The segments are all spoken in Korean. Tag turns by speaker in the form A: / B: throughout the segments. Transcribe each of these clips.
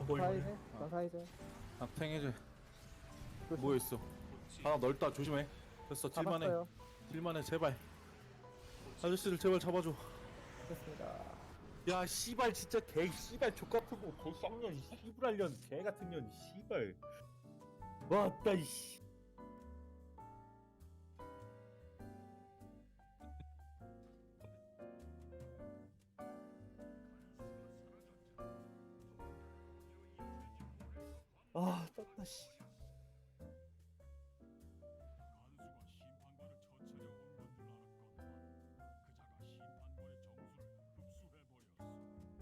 A: 사이즈? 나 사이즈.
B: 탱해제 뭐였어? 하나 넓다 조심해. 됐어 딜만해
A: 잡았어요.
B: 딜만해 제발. 아저씨들 제발 잡아줘.
A: 됐습니다.
B: 야 씨발 진짜 개 씨발 족같은 거개 쌍년 씨발년 개 같은 년 씨발. 왔다 이씨. 아 떴다 씨.
C: 간수가 심판관을 처차려 온 줄 알았건만 그자가 심판관의 정수를 흡수해버렸어.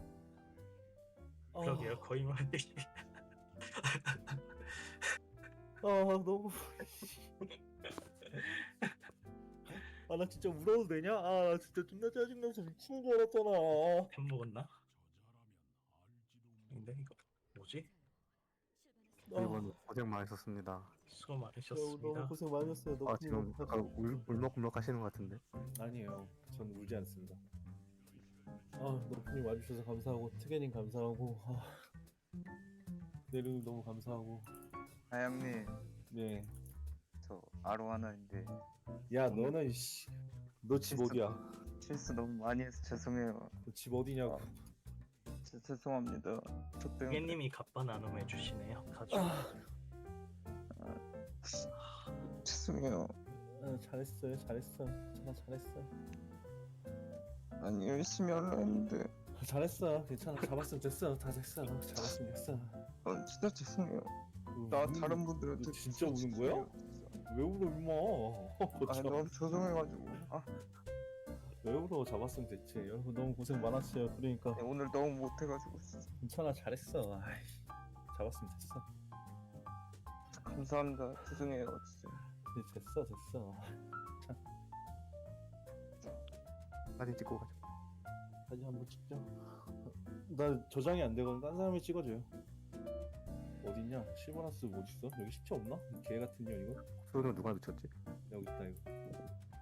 D: 그러게요. 거의 뭐
B: 아 너무 아 나 진짜 울어도 되냐? 아 나 진짜 존나 짜증나서 미치는 줄 알았잖아.
D: 햄 먹었나?
C: 저자라면 알지도
D: 근데 이거 뭐지?
E: 이번 고생 많으셨습니다.
D: 수고
B: 너무
D: 많으셨습니다.
B: 고생 많으셨어요. 너무
E: 아 지금 약간 울먹울먹 하시는 것 같은데.
B: 아니에요. 전 울지 않습니다. 아 너프님 와주셔서 감사하고 트게님 감사하고 내르님 너무 감사하고.
F: 아 형님
B: 네.
F: 저 아로하나인데
B: 야 너는 씨. 너 집 어디야?
F: 실수 너무 많이 해서 죄송해요.
B: 너 집 어디냐고.
F: 죄송합니다. 저 때문에
D: 깨님이 갑바 나눔 해주시네요. 가족.
F: 죄송해요.
B: 아, 잘했어요. 잘했어. 나 잘했어.
F: 아니 열심히 하려 했는데
B: 잘했어. 괜찮아. 잡았으면 됐어. 다 됐어. 잡았으면 됐어.
F: 진짜 죄송해요. 나 다른 분들한테
B: 너 진짜 우는 거야? 왜 울어 임마.
F: 아 너무 죄송해가지고
B: 왜 울어. 잡았으면 됐지. 여러분 너무 고생 많았어요. 그러니까
F: 오늘 너무 못해가지고 진짜
B: 괜찮아. 잘했어. 아이, 잡았으면 됐어.
F: 감사합니다. 죄송해요 진짜.
B: 이제 됐어.
E: 사진 찍고 가죠.
B: 사진 한번 찍자. 나 저장이 안 되거든. 딴 사람이 찍어줘요. 어딨냐? 실버나스 뭐 있어? 여기 십체 없나? 개 같은 년 이거?
E: 소리는 누가 미쳤지?
B: 여기 있다 이거.